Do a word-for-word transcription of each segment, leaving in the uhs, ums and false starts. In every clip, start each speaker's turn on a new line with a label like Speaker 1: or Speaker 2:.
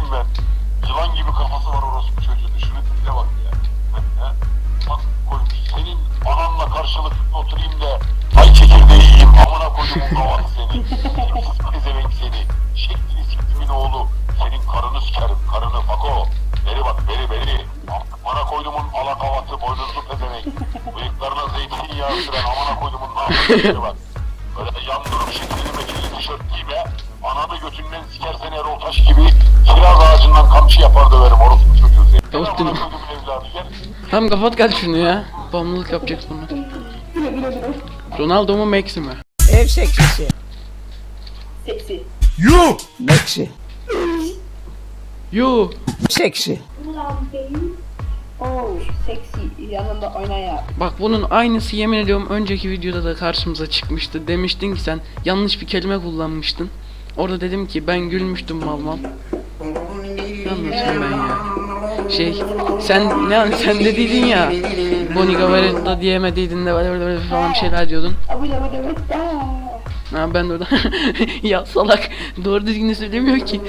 Speaker 1: ben. Yılan gibi kafası var orospu çocuğun. Şunu tipe bak ya. Ha? Bak koymuş. Senin ananla karşılıklı oturayım da ay çekirdeği yiyeyim. Amına koyduğumun kavatı seni. Tipsiz pezevenk seni. Şeklini siktimin oğlu. Senin karını sikerim. Karını fako. Beri bak beri beri. Amına koyduğumun alakavatı boynuzlu pezevenk. Bıyıklarına zeytinyağı süren amına koyduğumun namusları bak. Böyle yan durum şeklini mekili tişört giyme. Ananı götünden sikersen Erol Taş gibi kiraz ağacından kamçı yapar döverim orospu çocuğu seni.
Speaker 2: Tavuk
Speaker 1: Amına
Speaker 2: değil.
Speaker 1: koyduğumun evladı gel.
Speaker 2: Tamam kapat gel şunu ya. Bağımlılık yapacak bunu. Ronaldo mu Messi mi?
Speaker 3: Ev seksisi.
Speaker 4: Seksi.
Speaker 5: You!
Speaker 3: Meksi.
Speaker 2: Yo.
Speaker 3: Seksi.
Speaker 4: Oh, seksi yanında oyna ya.
Speaker 2: Bak bunun aynısı yemin ediyorum önceki videoda da karşımıza çıkmıştı. Demiştin ki sen yanlış bir kelime kullanmıştın. Orada dedim ki ben gülmüştüm mal mal. Ne anlatıyorum ben ya? Şey sen ne sen dediydin ya. Bonnie Gavaretta diyemediydin de böyle böyle falan bir şeyler diyordun.
Speaker 4: Abi de böyle
Speaker 2: Ha ben de orada ya salak doğru düzgün söylemiyor ki.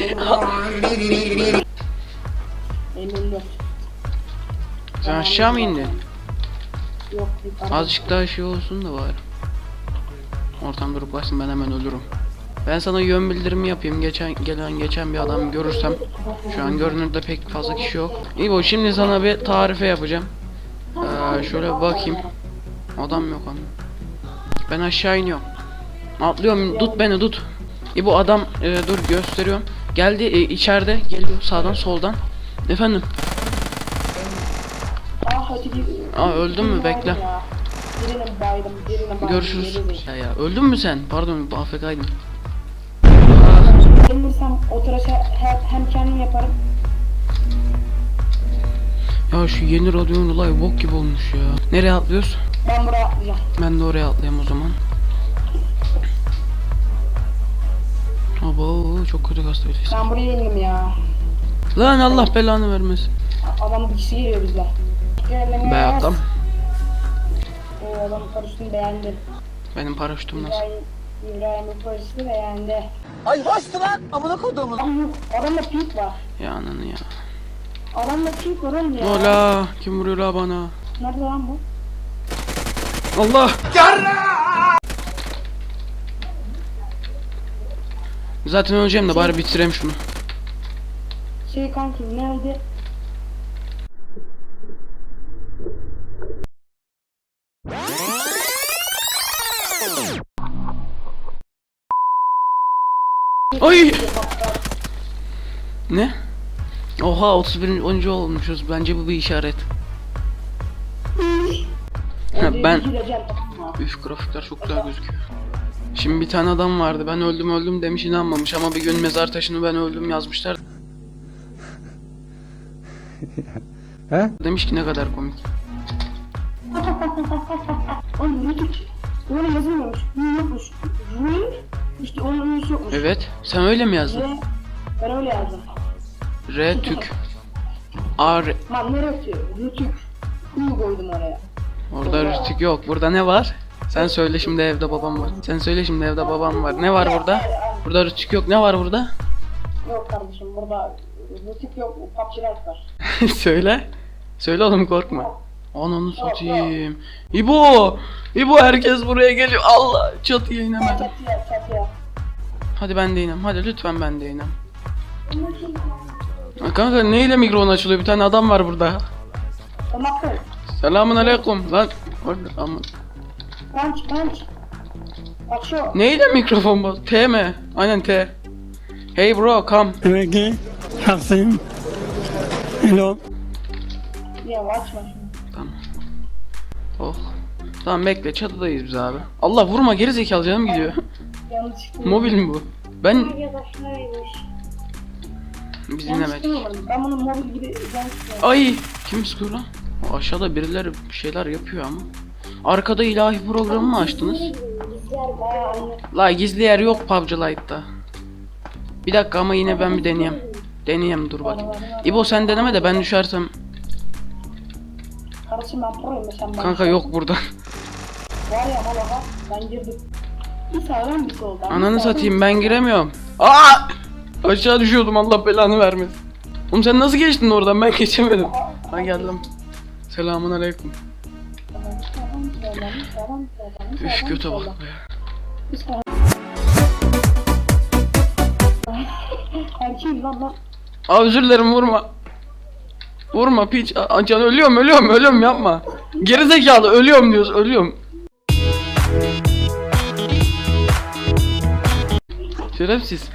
Speaker 4: Emindim.
Speaker 2: Sen aşağı mı indin?
Speaker 4: Yok yukarı.
Speaker 2: Azıcık daha şey olsun da var. Ortam durup başsın ben hemen ölürüm. Ben sana yön bildirimi yapayım. Geçen gelen geçen bir adam görürsem. Şu an görünürde pek fazla kişi yok. İyi bu şimdi sana bir tarife yapacağım. Ee, şöyle bir bakayım. Adam yok ama. Ben aşağı iniyorum. Atlıyorum tut beni tut. İyi bu adam e, dur gösteriyorum. Geldi e, içeride geliyor sağdan soldan. Efendim.
Speaker 4: Aa hadi bir.
Speaker 2: Aa öldün mü bekle.
Speaker 4: Birine baydım, birine baydım.
Speaker 2: Görüşürüz. Ya ya öldün mü sen? Pardon A F K'ydım.
Speaker 4: Gelirsem o tıraşı hem, hem kendim yaparım.
Speaker 2: Ya şu yeni radyonun olay bok gibi olmuş ya. Nereye atlıyoruz?
Speaker 4: Ben buraya atlayacağım.
Speaker 2: Ben de oraya atlayayım o zaman. Abo çok kötü kastayız.
Speaker 4: Ben buraya indim ya.
Speaker 2: Lan Allah belanı vermesin.
Speaker 4: Adamın dikisi geliyor bizle.
Speaker 2: Be adam.
Speaker 4: O adamın parasını beğendi.
Speaker 2: Benim paraşütüm nasıl?
Speaker 4: İbrahim, İbrahim'in parasını beğendi.
Speaker 3: Ay hoştu lan. Amına koduğumun.
Speaker 4: Adam yok. Adamda pink var.
Speaker 2: Ya ananı ya.
Speaker 4: Adamda pink var oğlum ya.
Speaker 2: Ola kim vuruyor la bana?
Speaker 4: Nerede lan bu?
Speaker 2: Allah. Zaten öleceğim de bari bitireyim şunu.
Speaker 4: Şey kanki nerede?
Speaker 2: Ay. Ne? Oha otuz birinci onuncu olmuşuz. Bence bu bir işaret. Ha, ben
Speaker 4: Gireceğim, tamam mı?
Speaker 2: üf grafikler çok güzel gözüküyor. Şimdi bir tane adam vardı. Ben öldüm öldüm demiş inanmamış ama bir gün mezar taşını ben öldüm yazmışlar.
Speaker 5: He?
Speaker 2: Demiş ki ne kadar komik.
Speaker 4: Oğlum Rütük. Öyle yazılmıyormuş. Rü yokmuş. Rü. İşte onun rüyüsü yokmuş.
Speaker 2: Evet. Sen öyle mi yazdın?
Speaker 4: Ve ben öyle yazdım.
Speaker 2: R tük. A R.
Speaker 4: Lan ne Rütük? Rütük. Rü koydum oraya.
Speaker 2: Orada rütük yok. Burada ne var? Sen söyle şimdi evde babam var. Sen söyle şimdi evde babam var. Ne var burada? Burada rütük yok. Ne var burada?
Speaker 4: Yok kardeşim burada Rütük yok. P U B G Lite var.
Speaker 2: Söyle. Söyle oğlum korkma. Ananı satayım. İbo! İbo herkes buraya geliyor. Allah çatıya inemedim.
Speaker 4: Çatıya çatıya.
Speaker 2: Hadi ben de inem. Hadi lütfen ben de inem. Ha, kanka neyle mikrofon açılıyor? Bir tane adam var burada.
Speaker 4: Tamam kız.
Speaker 2: Selamun aleyküm. Lan orada aman.
Speaker 4: Punch punch. Açıyor.
Speaker 2: Neyle mikrofon bu? T mi? Aynen T. Hey bro come.
Speaker 5: Okay. Hasim. Hello.
Speaker 4: Ya açma şunu.
Speaker 2: Tamam. Oh. Tamam bekle çatıdayız biz abi. Allah vurma geri zekalı canım gidiyor.
Speaker 4: Yanlış çıktı.
Speaker 2: Mobil mi bu? Ben
Speaker 4: Arkadaşlarıymış.
Speaker 2: biz
Speaker 4: Yanlış
Speaker 2: inemedik.
Speaker 4: çıkmadım. Ben bunu mobil gibi yanlış çıkmadım.
Speaker 2: Ay kim sıkıyor lan? O aşağıda birileri bir şeyler yapıyor ama. Arkada ilahi programı mı açtınız?
Speaker 4: Aa, anne.
Speaker 2: La gizli yer yok P U B G Lite'da. Bir dakika ama yine ben bir deneyeyim. Deneyeyim dur bakayım. İbo sen deneme de ben düşersem.
Speaker 4: Kardeşim ben proyum sen ben.
Speaker 2: Kanka yok burada.
Speaker 4: Var ya baba ben girdim. Bir sağdan bir soldan.
Speaker 2: Ananı satayım ben giremiyorum. Aa! Aşağı düşüyordum Allah belanı vermesin. Oğlum sen nasıl geçtin oradan? Ben geçemedim. Ha geldim. Selamun aleyküm. Üf göte bak be.
Speaker 4: Erkeğim lan lan.
Speaker 2: Aa özür dilerim vurma. Vurma piç. Aa, can ölüyorum ölüyorum ölüyorum yapma. Geri zekalı ölüyorum diyoruz ölüyorum. Şerefsiz.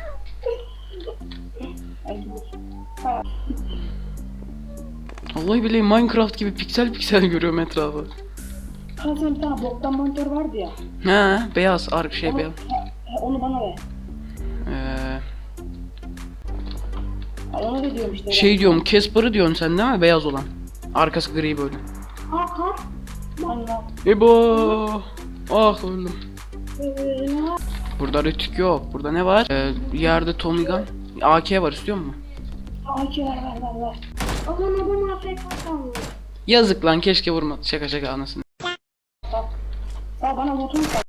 Speaker 2: Vallahi billahi Minecraft gibi piksel piksel görüyorum etrafı.
Speaker 4: Kanka senin bir tane boktan monitör vardı ya.
Speaker 2: Ha beyaz ark şey
Speaker 4: Onu,
Speaker 2: beyaz.
Speaker 4: he, he, onu bana ver.
Speaker 2: Ee,
Speaker 4: Ha, onu da diyorum işte.
Speaker 2: şey diyorum Casper'ı diyorsun sen değil mi? Beyaz olan. Arkası gri böyle.
Speaker 4: Ha ha. Lan lan.
Speaker 2: Ebo. Ah öldüm.
Speaker 4: Ee,
Speaker 2: Burada rütük yok. Burada ne var? Ee, yerde Tommy Gun. A K var istiyor musun?
Speaker 4: Ay ver ver ver ver. Aman adam afk kalmış.
Speaker 2: Yazık lan keşke vurma. Şaka şaka anasını.
Speaker 4: Sağ bana botunu sal.